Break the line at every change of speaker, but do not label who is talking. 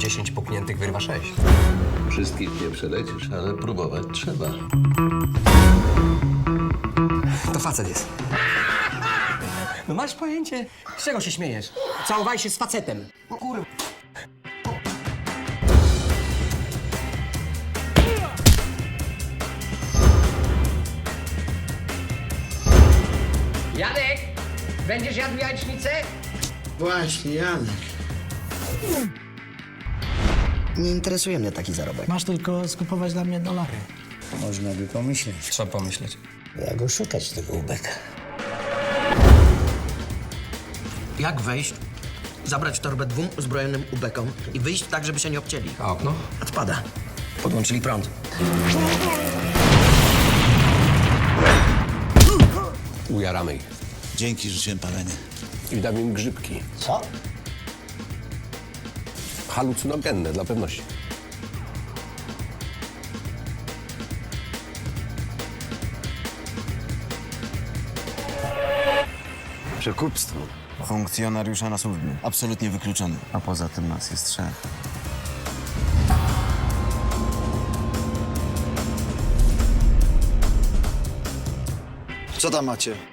10 pukniętych wyrwa 6.
Wszystkich nie przelecisz, ale próbować trzeba.
To facet jest. No masz pojęcie? Z czego się śmiejesz? Całowaj się z facetem. No kurwa. Janek, będziesz jadł jajecznicę?
Właśnie, Janek. Nie interesuje mnie taki zarobek.
Masz tylko skupować dla mnie dolary.
Można by pomyśleć.
Trzeba pomyśleć.
Jak oszukać tego ubeka?
Jak wejść, zabrać torbę 2 uzbrojonym ubekom i wyjść tak, żeby się nie obcięli?
A okno?
Odpada. Podłączyli prąd.
Ujaramy ich.
Dzięki, rzuciłem palenie.
I damy im grzybki.
Co?
Halucynogenne dla pewności.
Przekupstwo. Funkcjonariusza na służbie. Absolutnie wykluczony. A poza tym nas jest 3. Co tam macie?